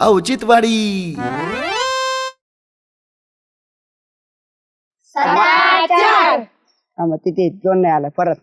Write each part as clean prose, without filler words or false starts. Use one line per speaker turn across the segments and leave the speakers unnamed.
औचित्यवाडी.
मग तिथे दोन नाही आला परत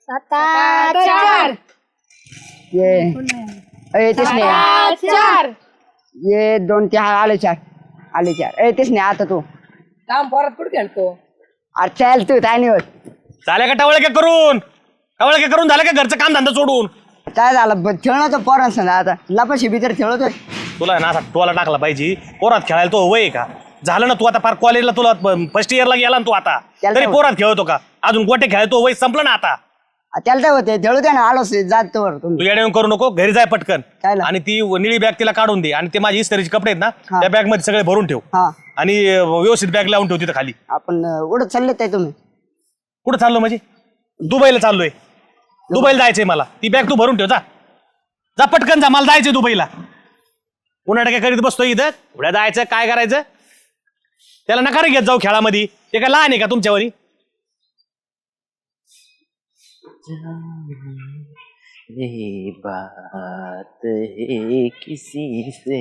7
ये तेच नाही ये 2 ते आले 4 तेच नाही आता तू
काम परत कुठे खेळतो
अरे चाल तू काय नाही होत
झाल्या का टवळक्या करून झालं का घरचं काम धंदा सोडून.
काय झालं खेळणं तर पोरांस ना आता लपाशी भीतर खेळतोय
तुला ना असा टोला टाकला पाहिजे. पोरात खेळायला तो वय आहे का. झालं ना तू आता फार कॉलेजला तुला फर्स्ट इयरला गेला ना तू आता
त्याला
तरी
काय
पोरात खेळतो का. अजून गोटे खेळतो वय संपलं ना आता.
त्याला काय होते खेळू द्या ना आलोच जात वर
तू
तुम्ही
येऊन करू नको. घरी जाय पटकन
काय ला?
आणि ती निळी बॅग तिला काढून दे आणि ते माझे इस्त्रीचे कपडे आहेत ना त्या बॅग मध्ये सगळे भरून ठेव
हा
आणि व्यवस्थित बॅग लावून ठेव तिथं खाली.
आपण उडत चालले काय तुम्ही
कुठं चाललो म्हणजे दुबईला चाललोय. दुबईला जायचंय मला. ती बॅग तू भरून ठेव जा पटकन जा. मला जायचंय दुबईला. पुन्हा काय करीत बसतोय इथं. उड्या जायचं काय करायचं त्याला नका रे घेत जाऊ खेळामध्ये. ते काय लहान आहे का तुमच्यावरी.
ये बात है किसी से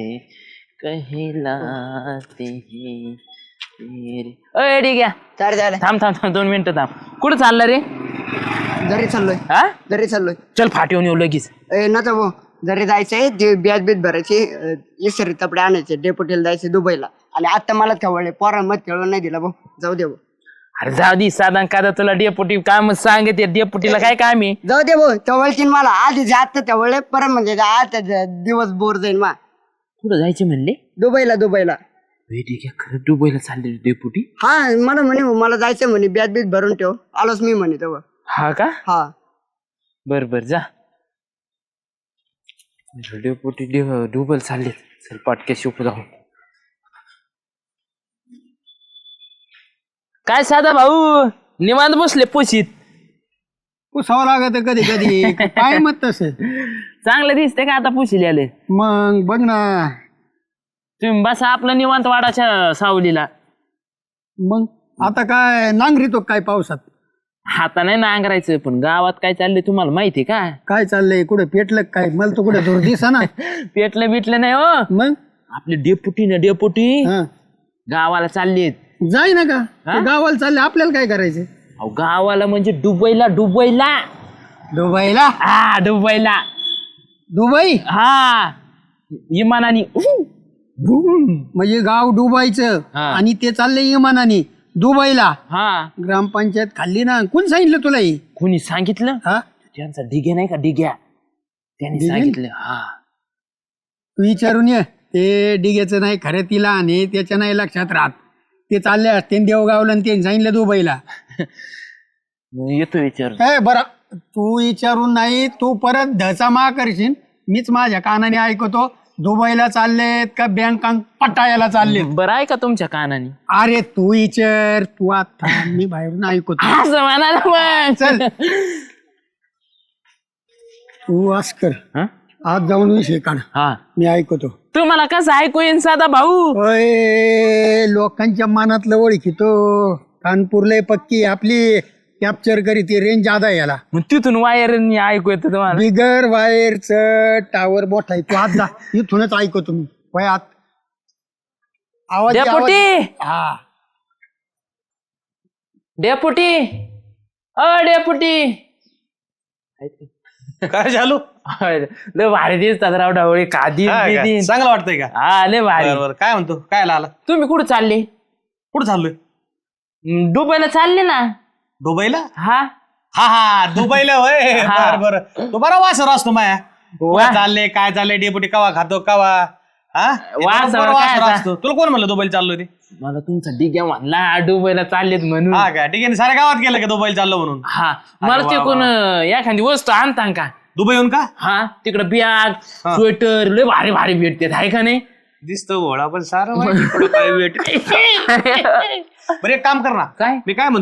कहलाते हैं तेरे. अय ठीक आहे
चार झाले
थांब 2 मिनिटं थांब. कुठं चाललं रे.
घरी चाललोय
हा
चल
फाटीवून येऊ लगेच.
नका भाऊ जरी जायचंय ते ब्याज बीज भरायची इसरी कपडे आणायचे डेपुटीला जायचे दुबईला आणि आता मला खेळले पोरांमध्ये खेळून नाही दिला भाऊ जाऊ दे भाऊ
अरे जाऊ दे साधा का तुला डेपुटी काम सांगते. डेपुटीला काय काम आहे.
जाऊ दे भाऊ तेवढची मला आधी जात तेवढे परत म्हणजे आता दिवस बोर जाईल मा
कुठं जायचे म्हणले.
दुबईला
ठीक आहे खरं दुबईला चालले डेपुटी.
हा मला म्हणे मला जायचं म्हणे ब्याज बीज भरून ठेव आलोच मी म्हणे तेव्हा
हा का
हा
बर जा. डेपुटी दुबईला चालले. चल पाटक्या शिकू जाऊ. काय साधा भाऊ निवांत बसले पोशीत.
पुसावं लागत कधी कधी काय मत तसं
चांगलं दिसते का आता पुशील आले.
मग बघ ना
तुम्ही बसा आपलं निवांत वाडाच्या सावलीला.
मग आता काय नांगरितो काय पावसात
आता नाही नांगरायचं पण गावात काय चाललंय तुम्हाला माहितीये का.
काय चाललंय कुठे पेटलं काय मला तर कुठे दूर दिसा ना
पेटलं बिटलं नाही हो.
मग
आपले डेपुटी
हा
गावाला चाललेत.
जाय ना का
हा?
ते गावाला चालले आपल्याला काय करायचं
अहो गावाला म्हणजे दुबईला
दुबईला
हा दुबईला
दुबई
हा इमानानी
म्हणजे गाव डुबायचं
हा.
आणि ते चाललंय इमानाने दुबईला
हा
ग्रामपंचायत खाल्ली ना कोण सांगितलं तुला हे
कोणी सांगितलं.
हा
त्यांचा डिग्या नाही का डिग्या त्यांनी
डिग्या?
सांगितलं. हा
तू विचारून ये ते डिगेचं नाही खरं तिला आणि त्याच्या नाही लक्षात राहत ते चालले असते देवगावला आणि ते सांगितलं दुबईला
येतो विचार.
काय बरं तू विचारून नाही तू परत धचा मा करशील मीच माझ्या कानाने ऐकतो दुबईला चाललेत का बँकांक पटायला चाललेत.
बरं आहे का तुमच्या कानाने.
अरे तू विचार तू आता मी बाहेरून ऐकतो
असं म्हणाला मग.
चल तू आस कर
हा?
आज जाऊन विषय काढ
हा
मी ऐकतो.
तुम्हाला कसं ऐकू येईन साधा भाऊ.
ओय लोकांच्या मनातलं ओळखीतो कानपूरला पक्की आपली कॅप्चर करी ती रेंज जादा याला
मग तिथून वायर ऐकू येतं तुम्हाला.
बिगर वायरचं टावर मोठा आहे तू आज जा इथूनच ऐकतो तुम्ही वयात आवाज
डेपुटी
हा
डेपुटी डेपुटी
काय झालो
लय भारी दिसतात राव ढवळे कादी बिदी.
चांगलं वाटतंय का.
हा लय भारी.
बरं काय म्हणतो काय आला
तुम्ही कुठं चालले.
कुठं चाललोय.
दुबईला चालले ना.
दुबईला
हा
हा दुबईला होय.
हा.
बरं तो बरा वासर असतो माया. कुठं चालले काय चाललंय डेपुटी कवा खातो कवा हा ते
वासर
बरोबर
काय
वासर
आता?
असतो. तुला कोण म्हणलं दुबईला चाललोय ते.
मला तुमचा डिग्या म्हणला दुबईला चाललेत म्हणून.
हा का ठीक आहे साऱ्या गावात गेलं का दुबईला चाललो म्हणून.
हा मला ते कोण एखादी वस्तू आणता का.
दुबई येऊन का
हा तिकडं बॅग स्वेटर लय भारी भारी भेटते आहे का नाही.
दिसतो घोडा पण सारं माहिती कुठं काय भेट. बरं एक काम कर ना.
काय
मी काय म्हणतोय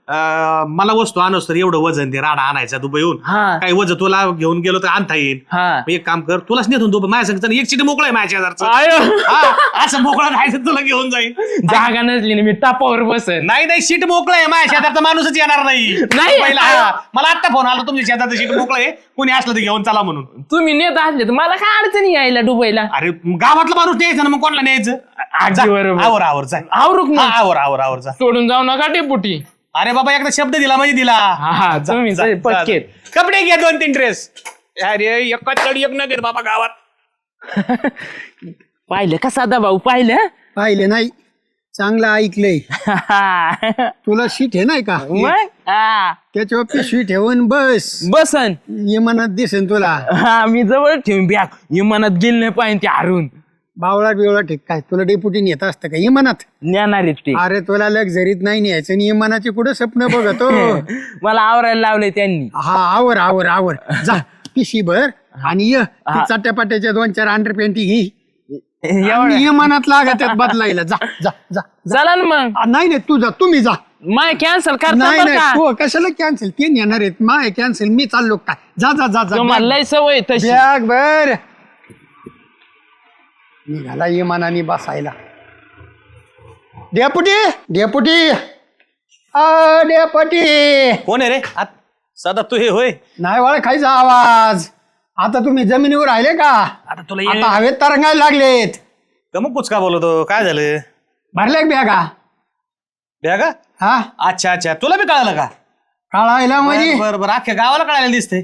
मला वस्तू आणस तर एवढं वजन दे राडा आणायचा दुबईहून
हा.
काही वजन तुला घेऊन गेलो तर आणता येईल
हा.
मग एक काम कर तुलाच नेतो दुबई माझ्या सांगता एक सीट मोकळा आहे माझ्या शेजारचं
आयो.
हा, असं मोकळा जायचं तुला घेऊन जाईल
जागा नसली ना मी टापावर बसन.
नाही सीट मोकळं आहे माझ्या शेजारचा माणूसच येणार नाही
नाही.
दुबईला, हा. मला आता फोन आला तुमच्या शेजारचं सीट मोकळं आहे कोणी असलं तर घेऊन चला म्हणून
तुम्ही नेत असले तर मला काय अडचणी यायला दुबईला.
अरे गावातला माणूस न्यायचं ना मग कोणाला न्यायचं
अगदी बरोबर.
आवर आवर जा
आवरूक
हा,
ना
आवर जा
सोडून जाऊ नका डेपुटी.
अरे बाबा एकदा शब्द दिला म्हणजे दिला
हा तुम्ही
जा, जा,
पक्केत.
जा. कपडे घे 2-3 ड्रेस अरे एका चढ एक न घेत बाबा गावात
पाहिलं का साधा भाऊ पाहिलं.
पाहिले नाही चांगलं ऐकलंय. तुला शीट आहे नाही का
मग हा.
त्याच्यावर पिशवी ठेवून बस
बसन.
इमानात दिसेन तुला.
हा मी जवळ ठेवून बॅग विमानात गेलं नाही पाहिजे ते हरून.
बावळा बिवळा ठीक काय तुला डेपुटी नेत असतं का इमानात.
नेणार आहेत ते.
अरे तुला लक्झरीत नाही न्यायचं आणि इमानाचे कुठं स्वप्न बघतो.
मला आवरायला लावले त्यांनी.
हा आवर आवर आवर जा पिशी भर आणि ये ती चट्ट्यापाट्याच्या 2-4 अंडरपॅन्टी घे
एवढं
इमानात लागत बदलायला जा जा जा.
चला ना मग
नाही नाही तू जा तुम्ही जा.
माय कॅन्सल करता
नाही
बरं
नाही
का.
तू कशाला कॅन्सल ते येणार आहेत माय कॅन्सल मी चाललो काय जा जा जा जा
तुम्हाला लय सवय तशी.
बॅग बर निघाला इमानाने बसायला. डेपुटी डेपुटी डेपुटी
कोण आहे रे सदा तू हे होय
नाही वळ खायचा आवाज. आता तुम्ही जमिनीवर राहिले का.
आता तुला
आता हवेत तरंगायला लागलेत.
मग कुचका बोलतो काय झालं
भरले बॅगा
बॅगा
हा
अच्छा तुला बी कळालं का
काढायला म्हणजे
बरं बरं अख्ख्या गावाला कळायला दिसते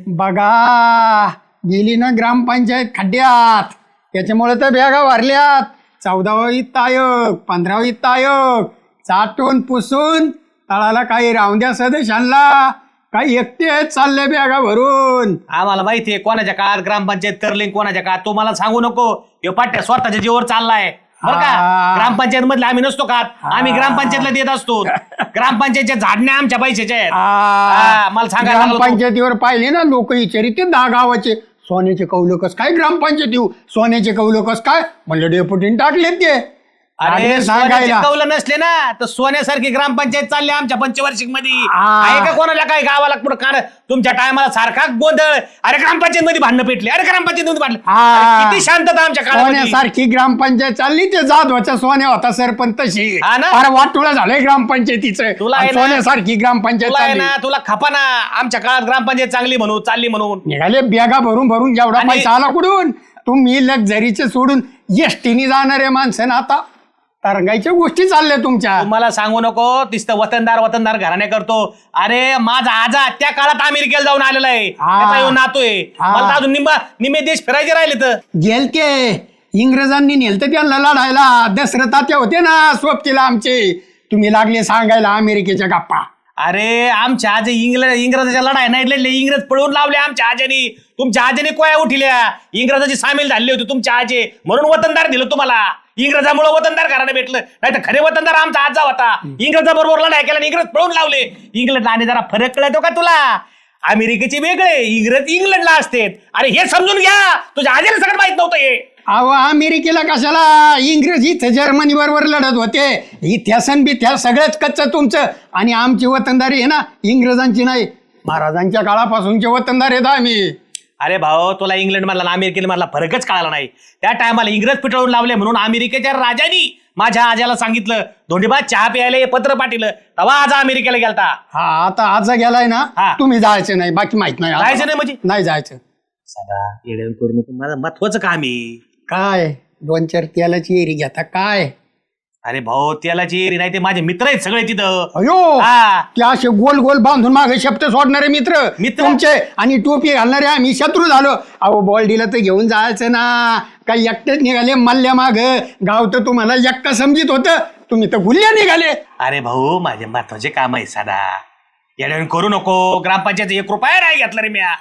बघा गेली ना ग्रामपंचायत खड्ड्यात त्याच्यामुळे तर बॅगा भरल्यात. 14वा वित्त आयोग 15वा वित्त आयोग चाटून पुसून तळाला काही राहून द्या सदस्यांना काही एकटे चालले बॅगा भरून.
आम्हाला माहितीये कोणाच्या काळात ग्रामपंचायत करली कोणाच्या काळात तो मला सांगू नको हे पाट्या स्वतःच्या जीवर चाललाय बरं का
हा.
ग्रामपंचायत मधले आम्ही नसतो का आम्ही ग्रामपंचायतला देत असतो ग्रामपंचायतच्या झाडण्या आमच्या पैशाच्या आहेत हा, मला सांगायला लागलो तो.
ग्रामपंचायतीवर पाहिले ना लोक विचारित 10 गावाचे सोन्याचे कौलकस काय ग्रामपंचायत येऊ सोन्याचे कौलकस काय म्हणलं डेपुटीने टाकलेत ते.
अरे
लागले
सोन्याचे
सांगायला
कौलं नसले ना तर सोन्यासारखी ग्रामपंचायत चालली आमच्या पंचवार्षिक मध्ये
हा.
आहे का कोणाला काही गावाला पुढे कारण तुमच्या टायमाला सारखा गोंधळ अरे ग्रामपंचायत मध्ये भांडणं पेटले अरे ग्रामपंचायत मध्ये भांडले
हा.
अरे किती शांतता आमच्या काळामध्ये
सोन्यासारखी ग्रामपंचायत चालली ते जाधवाच्या सोन्या होता सरपंच तशी
हा ना?
फार वाटोळं झालंय ग्रामपंचायतीचं
तुला आहे
आणि
ना?
सोन्यासारखी ग्रामपंचायत
तुला आहे
चालली
ना तुला खपा ना आमच्या काळात ग्रामपंचायत चांगली म्हणून चालली म्हणून
निघाले बॅगा भरून भरून जेवढा
आणि-
पैसा आला कुठून तुम्ही लक्झरीचे सोडून एसटीने जाणारे माणसं ना आता तरंगायच्या गोष्टी चालल्या तुमच्या.
तुम्हाला सांगू नको तिथं वतनदार घराणे करतो अरे माझा आजा त्या काळात अमेरिकेला जाऊन आलेला आहे
हा.
त्याचा येऊन नातोय
हा.
मला तर अजून निम्मे देश फिरायचे राहिले तर
गेलते इंग्रजांनी नेलते त्यांना लढायला दसरथ तात्या होते ना सोबतीला आमचे तुम्ही लागले सांगायला अमेरिकेच्या गप्पा.
अरे आमच्या आजी इंग्रजाच्या लढाई नाही लढले इंग्रज पळवून लावले आमच्या आजीने तुमच्या आजीने कोया उठिल्या इंग्रजाची सामील झाली होती तुमच्या आजी म्हणून वतनदार दिलं तुम्हाला इंग्रजामुळे वतनदार घराने भेटलं नाही तर खरे वतनदार आमचा आजा होता इंग्रजाबरोबर लढाई केला आणि इंग्रज पळून लावले इंग्लंडला आणि जरा फरक कळतो का तुला अमेरिकेचे वेगळे इंग्लंडला असते अरे हे समजून घ्या तुझ्या आजीला सगळं माहित नव्हतं हे
अहो अमेरिकेला कशाला इंग्रज इथं जर्मनी बरोबर लढत होते इतिहासन बिथ्यास सगळंच कच्चं तुमचं आणि आमची वतनदारी आहे ना इंग्रजांची नाही महाराजांच्या काळापासूनचे वतनदार आहेत आम्ही.
अरे भाऊ तुला इंग्लंड मधला अमेरिकेला मधला फरकच कळाला नाही त्या टायमाला इंग्रज पिटवून लावले म्हणून अमेरिकेच्या राजानी माझ्या आजाला सांगितलं धोंडीबा चहा प्यायला हे पत्र पाठवलं तेव्हा आजा अमेरिकेला गेलता
हा आता आज गेलाय ना
हा.
तुम्ही जायचं नाही बाकी माहित नाही
जायचं नाही म्हणजे
नाही जायचं.
सदा येडे करू नको माझं महत्वाचं काम आहे
काय 2-4 तेलाची एरी घेता काय.
अरे भाऊ त्यालाची एरी नाही ते माझे मित्र आहेत सगळे तिथं
अयो
हा.
ते असे गोल गोल बांधून मागे शब्द सोडणारे मित्र तुमचे आणि टोपी घालणारे आम्ही शत्रू झालो. अहो बॉल दिला तर घेऊन जायचं ना काही एकटेच निघाले मल्ल्या माग गाव तर तुम्हाला एकटा समजित होतं तुम्ही तर गुल्ल्या निघाले.
अरे भाऊ माझे महत्वाचे काम आहे साधा येडे करू नको ग्रामपंचायत 1 रुपया नाही घेतला रे म्या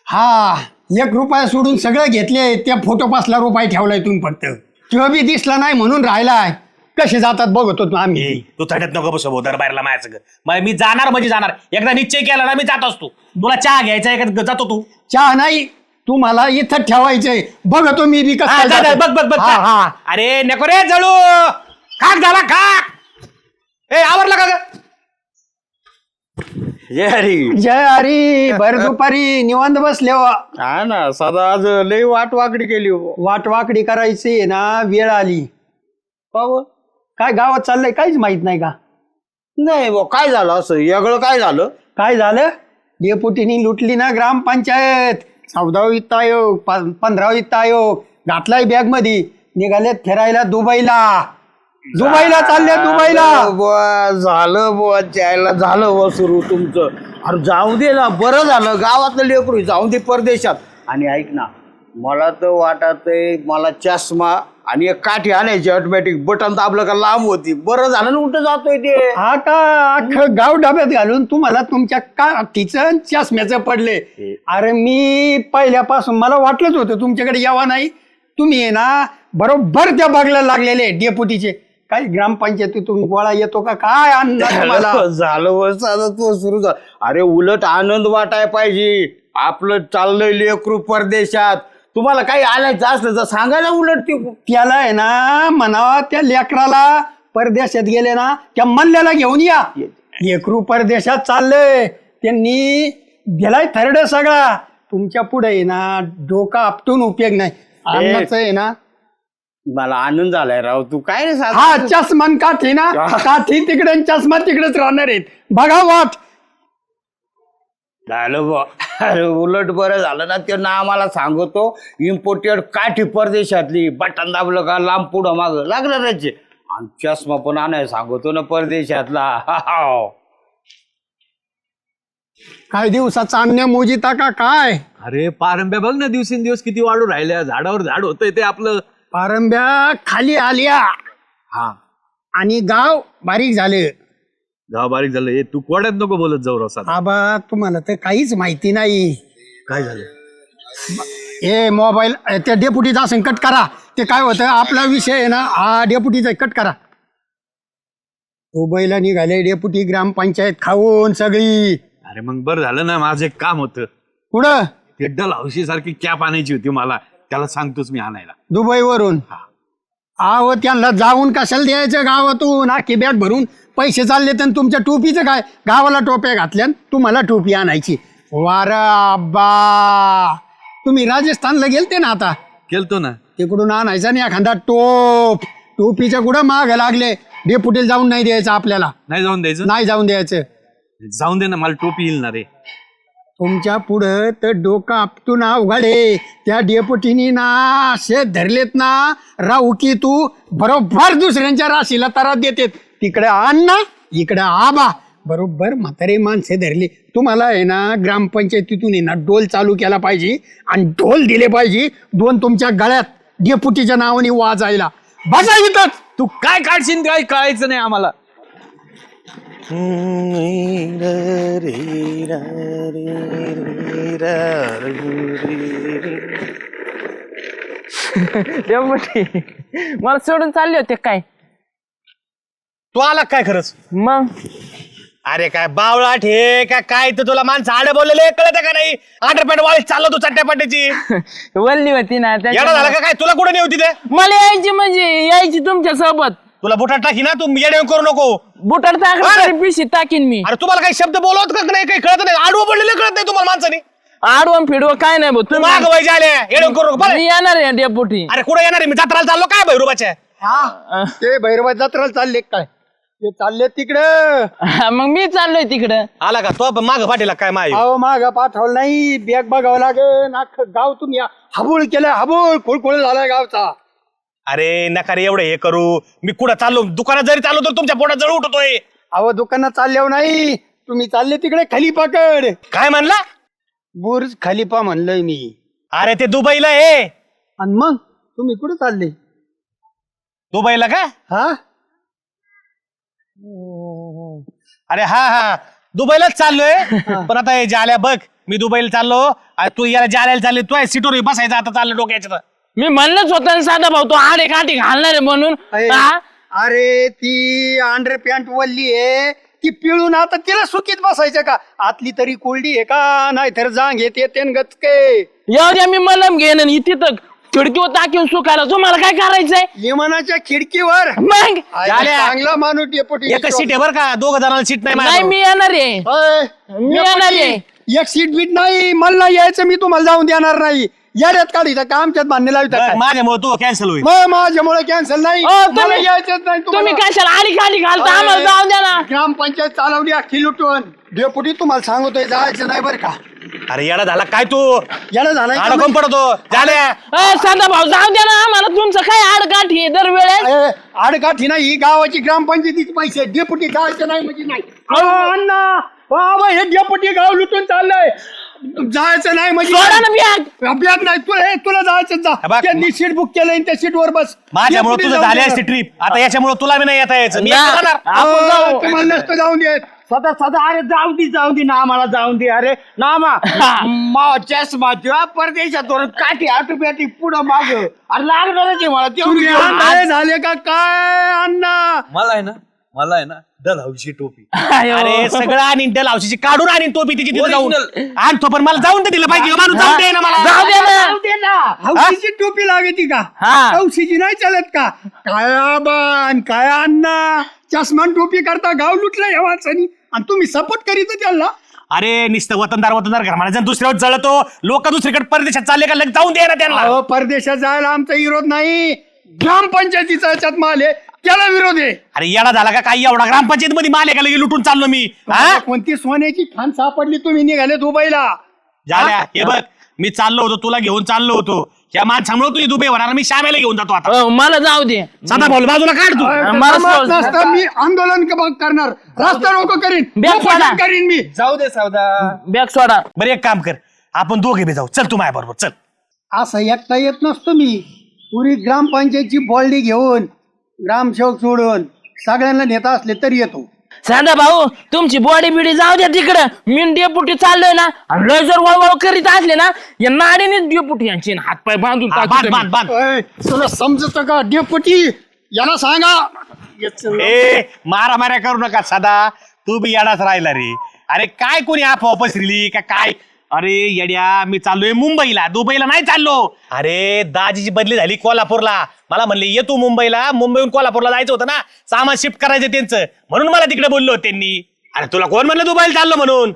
हा 1 रुपया सोडून सगळं घेतले त्या फोटो 5 रुपये ठेवलाय तुम्ही फक्त तो बी दिसला नाही म्हणून राहिलाय. कसे जातात बघतो आम्ही.
तू थडत नको बसव भाऊ दरबारला माझ्या सगळं मी जाणार म्हणजे जाणार एकदा निश्चय केला ना मी जात असतो तुला चहा घ्यायचा आहे का जातो तू
चहा नाही तू मला इथं ठेवायचंय बघतो मी बी
हा, जा, जा,
कसं.
बघ बघ बघ
हा, हा.
अरे नको रे जळू खाक झाला खाक ए आवरला का ग
जय हरी.
जय हरी. भर दुपारी निवांत बसले हो.
हा ना सदा आज लई वाटवाकडी केली हो.
वाटवाकडी करायची ना वेळ आली. काय गावात चाललंय काहीच माहित नाही का?
नाही बुवा, काय झालं असं वेगळं काय झालं?
काय झालं? डेपुटीनी लुटली ना ग्रामपंचायत. 14वा वित्त आयोग 15वा वित्त आयोग घातलाय बॅग मध्ये. निघालेत फिरायला दुबईला चालले दुबईला.
झालं बुवा त्याला झालं बुवा सुरू तुमचं. अरे जाऊ दे ना, बरं झालं गावातलं लेकरू जाऊ दे परदेशात. आणि ऐक ना, मला तर वाटत मला चष्मा आणि एक काठी आणायची ऑटोमॅटिक, बटन दाबलं का लांब होती. बरं झालं ना कुठं जातोय ते.
हा का? अख्खं गाव डब्यात घालून तुम्हाला तुमच्या काठीचं चष्म्याचं पडले. अरे मी पहिल्यापासून मला वाटलंच होतं तुमच्याकडे यावा नाही. तुम्ही आहे ना बरोबर त्या बघायला लागलेले डेपुटीचे. काही ग्रामपंचायतीतून गोळा येतो का काय मला
झालं वर्ष आता तो सुरू झाला. अरे उलट आनंद वाटाय पाहिजे. आपलं चाललंय लेकरू परदेशात. तुम्हाला काही आणायचं असलं तर सांगायला उलट ते.
त्याला आहे ना म्हणावा त्या लेकराला परदेशात गेले ना त्या मल्ल्याला घेऊन या. लेकरू परदेशात चाललंय त्यांनी दिलाय थर्ड सगळा. तुमच्या पुढे आहे ना डोका आपटून उपयोग नाही. अन्नाचं आहे ना
मला आनंद झालाय राव. तू काय रे
हा चष्मान काठी ना काठी तिकडे आणि चष्मा तिकडेच राहणार आहेत. बघा वाट
झालं बुवा. अरे उलट बरं झालं ना. ते ना आम्हाला सांगतो इम्पोर्टेड काठी परदेशातली, बटन दाबलं का लांब पुढं माग लागलं त्याचे. आणि चष्मा पण आणायला सांगतो ना परदेशातला.
काय दिवसाचा अन्य मोजिता का काय?
अरे पारंब्या बघ ना, दिवसेंदिवस किती वाढू राहिल्या. झाडावर झाड होतंय ते आपलं.
पारंब्या खाली आल्या
हा
आणि गाव बारीक झाले.
गाव बारीक झालं. हे तू कोड्यात नको बोलत जाऊ रसात.
आबा तुम्हाला तर काहीच माहिती नाही.
काय झालं?
हे मोबाईल त्या डेपुटीचा संकट करा. ते काय होतं आपला विषय आहे ना हा डेपुटीचा कट करा. दुबईला निघाले डेपुटी ग्रामपंचायत खाऊन सगळी.
अरे मग बरं झालं ना, माझं एक काम होतं.
कुठं?
ते डल हौशी सारखी कॅप आणायची होती मला. त्याला सांगतोच मी आणायला.
दुबईवरून. आहो त्यांना जाऊन कशाला द्यायचं गावातून आखी बॅग भरून पैसे चालले तर तुमच्या टोपीचं काय? गावाला टोप्या घातल्या तुम्हाला टोपी आणायची. वारा अब्बा तुम्ही राजस्थानला गेलते ना आता.
केलतो ना.
तिकडून आणायचा नाही एखादा टोपीच्या कुठं माग लागले. डेपुटीला जाऊन नाही द्यायचं आपल्याला.
नाही जाऊन द्यायचं.
नाही जाऊन द्यायचं.
जाऊन दे ना, मला टोपी येईल ना रे.
तुमच्या पुढं तर डोकं आपटून अवघडे. त्या डेपुटीनी ना असे धरलेत ना राहू की तू बरोबर दुसऱ्यांच्या राशीला तरात देते. तिकडे आण ना इकडे आबा बरोबर म्हातारे माणसे धरली. तुम्हाला आहे ना ग्रामपंचायतीतून आहे ना डोल चालू केला पाहिजे आणि ढोल दिले पाहिजे 2 तुमच्या गळ्यात डेपुटीच्या नावाने वाजायला. बसा इथंच.
तू काय काढशील काय कळायचं नाही आम्हाला.
डेपुटी मला सोडून चालले होते काय?
तू आला काय खरंच?
मग
अरे काय बावळाट हे काय तर तुला माणसं आडे बोललेले कळत का नाही? अंडरपॅन्ट वाळीत चाललो तू चट्ट्यापाट्याची.
वल्ली होती ना
येडा झाला का काय? तुला कुठे नाही होती ते?
मला यायची म्हणजे यायची तुमच्या सोबत.
तुला बुटात टाकी ना, तू येडे करू नको.
बुटार टाकलं पिशी टाकीन मी.
अरे तुम्हाला काही शब्द बोलवत का नाही? काही कळत नाही. आडवं पडलेले कळत नाही तुम्हाला माणसाने.
आडवं फिडवं काय नाही भाऊ.
तू माग व्हायचे आले येडे करू नको. बरं?
मी येणार आहे डेपुटी.
अरे कुठे येणार आहे? मी जत्राला चाललो काय भैरूबाच्या.
ते भैरवा जत्राला चालले काय? ते चालले तिकडं.
मग मी चाललोय तिकडं.
आला का तो माग पाठीला काय माय?
अहो माग पाठवलं नाही. बॅग बघावं लागेल. अख्खं गाव तुम्ही हबूळ केलं. हबूळ कुळकुळ झालाय गावचा.
अरे नका रे एवढं हे करू. मी कुठं चाललो? दुकानात जरी चाललो तर तुमच्या पोटात जळ उठतोय.
अहो दुकानात चालल्यावर नाही. तुम्ही चालले तिकडे खलिफाकड.
काय म्हणला?
बुर्ज खलिफा म्हणलंय मी.
अरे ते दुबईला आहे.
आणि मग तुम्ही कुठे चालले?
दुबईला का?
हा
अरे हा दुबईलाच चाललोय. पण आता हे जाल्या बघ, मी दुबईला चाललो आणि तू याला जाल्याला चालली. तू सीटवर बसायचं आता चाललं डोक्याच्या.
मी म्हणलंच होतं ना साधा भाऊ तो आडे काठी घालणार आहे म्हणून. हा?
अरे ती अंडर पॅन्ट वल्ली आहे ती पिळून आता तिला सुकीत बसायचं का? आतली तरी कोल्डी आहे का? नाही तर जांग येते गचके.
येऊ द्या मी मलम घेईन आणि तिथं खिडकीवर टाकीन सुकायला तुम्हाला काय करायचंय
विमानाच्या खिडकीवर
मग
आयला चांगला माणूस डेपुटी
एकच सीट आहे बरं का, दोघं जणांना सीट नाही
नाही
माझ्याजवळ.
मी येणार आहे
अय,
मी येणार आहे
डेपुटी, एक सीट बीट नाही मला नाही यायचं, मी तुम्हाला जाऊन देणार नाही. येड्यात काढीचा का आमच्यात बांधणे लावतात
बरं,
काय?
माझ्यामुळे तू कॅन्सल होईल.
मग माझ्यामुळे कॅन्सल नाही,
तुम्ही-
मला यायचंच नाही
तुम्ही
तुम्हाला.
कशाला आली खाली घालता आम्हाला जाऊ द्या ना.
ग्रामपंचायत चालवली अख्खी लुटून. डेपुटी तुम्हाला सांगतोय जायचं नाही बरं का.
अरे येडा झाला काय तू,
याला झालं का
अडकून पडतो झाल्या.
साधा भाऊ जाऊ द्या ना आम्हाला, तुमचं काय आडकाठी आहे दरवेळेस.
अय, आडकाठी नाही, ही गावाची ग्रामपंचायतीचे पैसे. डेपुटी जायचं नाही म्हणजे नाही. अहो, अण्णा बाबा हे डेपुटी गाव लुटून चाललंय, जायचं नाही म्हणजे
सोडा ना बॅग.
अभ्यास नाही तुला जायचं जा.
बघ.
त्यांनी सीट बुक केलंय त्या सीटवर बस.
माझ्यामुळे
डेपुटी
तुझं
जाऊन
झाली
देणार.
असती ट्रिप, आता याच्यामुळे तुला बी नाही येता यायचं. मी
ना.
एकटा जाणार.
आपण जाऊ.
तुम्हाला नसतं जाऊन देत.
सदा अरे जाऊ दे ना आम्हाला जाऊन दे. अरे नामा चष्मा तुला परदेशात काठी आटोप्याटी पुढं माग अरे लागणारच आहे मला
तुम्ही
तेवढी
आंधळे झाले का काय अण्णा?
मला आहे ना डलहौशी टोपी
आयो.
अरे सगळं आणि डल औषधी काढून आणि टोपी तिची तिथे जाऊन
Original.
आणतो, पण मला जाऊन तर दिलं पाहिजे. माणूस जाऊन दे ना मला.
जाऊ द्या ना.
जाऊ दे ना.
हौशीची टोपी लागती का?
हा.
हौशीची नाही चालत का? काय आबान काय अण्णा, चष्मान टोपी करता गाव लुटलं या वाचानी आणि तुम्ही सपोर्ट करीत त्याला.
अरे नुसतं वतनदार घर म्हणायचं, दुसऱ्यावर जळतो. लोक दुसरीकडे परदेशात चालले का लगेच जाऊन दे ना त्यांना.
अहो, परदेशात जायला आमचा विरोध नाही, ग्रामपंचायतीचा याच्यात माल आहे त्याला विरोध आहे.
अरे येडा झाला का काही एवढा, ग्रामपंचायत मध्ये माल आहे का लगे लुटून चाललो मी. हा?
कोणती सोन्याची खान सापडली, तुम्ही निघाले दुबईला.
झाल्या हे बघ, मी चाललो होतो, तुला घेऊन चाललो होतो. या माणसामुळे तुझी दुबई होणार, मी श्यामेला घेऊन जातो आता.
मला जाऊ दे.
सदा बोल बाजूला काढ तू.
मला
जमत
सोड.
नसतं, मी आंदोलन करणार, रस्ता रोको करीन,
बॅग
उपोषण
सोडा.
करीन मी.
जाऊ दे सावदा.
बॅग सोडा.
बरं एक काम कर, आपण दोघे बी जाऊ. चल तू माझ्या बरोबर चल.
असं एकटा येत नसतो मी, पुरी ग्रामपंचायतची बॉल्डी घेऊन ग्रामसेवक सोडून सगळ्यांना नेता असले तरी येतो.
साधा भाऊ तुमची बॉडी बिडी जाऊ द्या तिकडं, मी डेपुटी चाललोय ना, आणि लय जर वळवळ करीत असले ना या नाडीनेच डेपुटी यांची हातपाय बांधून
बांध
टाकतो
बांध
मी.
बांध.
अय, तुला समजत का डेपुटी? याला सांगा.
ए मारामाऱ्या करू नका सदा, तू बी येडाच राहिला रे. अरे काय कोणी अफवा पसरली का काय? अरे येड्या, मी चाललोय मुंबईला, दुबईला नाही चाललो. अरे दाजीची बदली झाली कोल्हापूरला, मला म्हणले ये तू मुंबईला, मुंबईहून कोल्हापूरला जायचं होतं ना, सामान शिफ्ट करायचं त्यांचं, म्हणून मला तिकडे बोललो त्यांनी. अरे तुला कोण म्हणलं दुबईला चाललो म्हणून?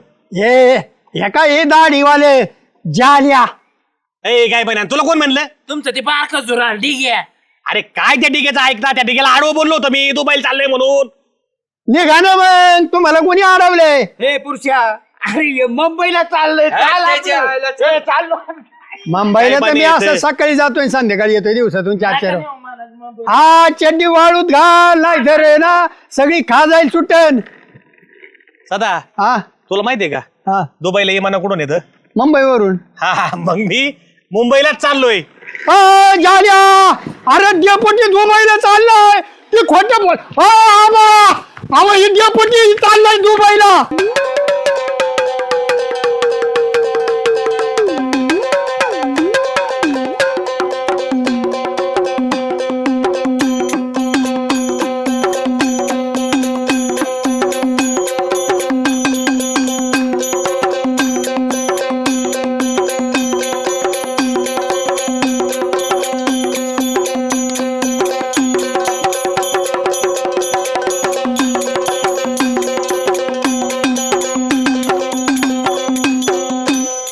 हे काय हे दाढीवाले जाल्या.
ए काय पण तुला कोण म्हणलं?
तुमचं ते बारक जुरा ठीक आहे.
अरे काय त्या डिगेचं ऐक ना, त्या डिगेला आडवं बोललो होतो मी दुबईला चाललोय म्हणून.
निघा ना मग, तुम्हाला कोणी अडवलंय?
हे पुरुषा अरे हे मुंबईला चाललंय चाललो
मुंबईला तर मी असं सकाळी जातोय संध्याकाळी येतोय, दिवसातून 4-4. हा चड्डी वाळूत घाल, नाही तर आहे ना सगळी खा जाईल सुटन.
सदा
हा
तुला माहितीये का
हा
दुबईला विमानं कुठून येतं?
मुंबईवरून.
हा मग मी मुंबईलाच चाललोय.
झाल्या, अरे डेपुटी दुबईला चाललाय, ते खोटं बोल. आबा, हे डेपुटी चाललाय दुबईला.